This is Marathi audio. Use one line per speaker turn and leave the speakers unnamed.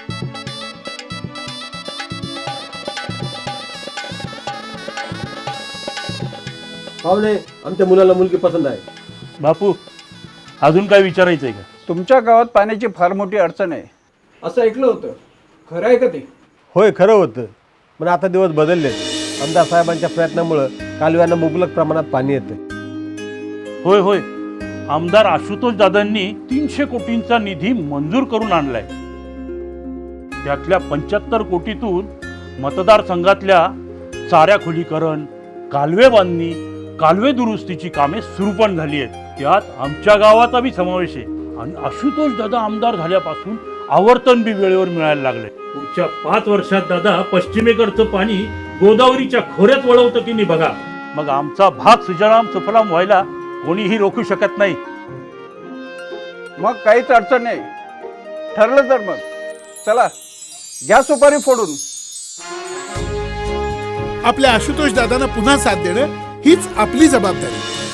पाहुणे, आमच्या मुलाला मुलगी पसंत आहे.
बापू, अजून काय विचारायचंय का?
तुमच्या गावात पाण्याची फार मोठी अडचण आहे
असं ऐकलं होतं, खरं आहे का ते?
होय, खरं होतं. पण आता दिवस बदलले. आमदार साहेबांच्या प्रयत्नामुळं कालव्यांना मुबलक प्रमाणात पाणी येतं.
होय होय, आमदार आशुतोष दादांनी 300 कोटींचा निधी मंजूर करून आणलाय. त्यातल्या 75 कोटीतून मतदारसंघातल्या चाऱ्या खोलीकरण, कालवे बांधणी, कालवे दुरुस्तीची कामे सुरू पण झाली आहेत. त्यात आमच्या गावाचा बी समावेश आहे. आणि आशुतोष दादा आमदार झाल्यापासून आवर्तन बी वेळेवर मिळायला लागले. पुढच्या 5 वर्षात दादा पश्चिमेकडचं पाणी गोदावरीच्या खोऱ्यात वळवतं की नाही बघा. मग आमचा भाग सुजलाम सुफलाम व्हायला कोणीही रोखू शकत नाही.
मग काहीच अडचण नाही. ठरलं तर मग चला, घ्या सुपारी फोडून.
आपल्या आशुतोष दादांना पुन्हा साथ देणं हीच आपली जबाबदारी.